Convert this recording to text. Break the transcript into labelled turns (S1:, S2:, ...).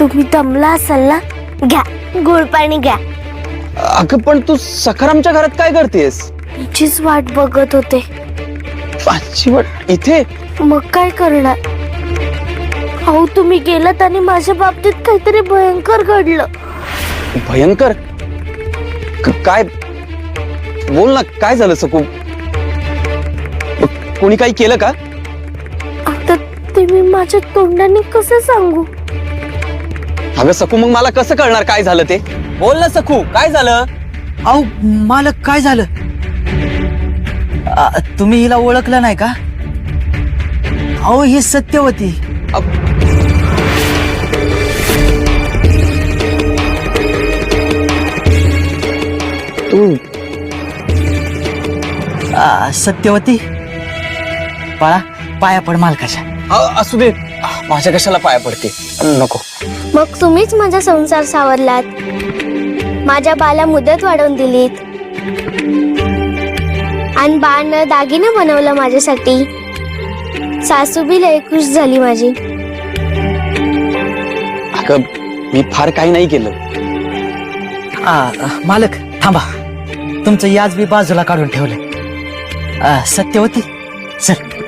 S1: तुम्ही दमला असाल ना, घ्या गोड पाणी घ्या.
S2: अगं पण तू सखारामच्या घरात काय करतेस?
S1: तिचीच वाट बघत होते.
S2: माझी वाट इथे?
S1: मग काय करणार? अहो तुम्ही गेलात आणि माझ्या बाबतीत काहीतरी भयंकर घडलं.
S2: भयंकर? काय? बोल ना, काय झालं सकू? कोणी काही केलं का?
S1: आता ते मी माझ्या तोंडाने कसं सांगू?
S2: अगं सकू, मग मला कसं कळणार काय झालं ते? बोल ना सकू, काय झालं?
S3: अहो मालक, काय झालं? तुम्ही हिला ओळखलं नाही का? अहो ही सत्यवती.
S2: तू
S3: सत्यवती, बाळा पाया पड मालकाच्या.
S2: असू दे, माझ्या कशाला पाया पडते? नको.
S1: मग तुम्हीच माझा संसार सावरलात, माझ्या बाला मुदत वाढवून दिलीत आणि बाळनं दागिने बनवलं माझ्यासाठी. सासू बी लय खुश झाली माझी.
S2: अगं मी फार काही नाही केलं.
S3: मालक थांबा, तुमचं याज बी बाजूला काढून ठेवलं. सत्यवती चल.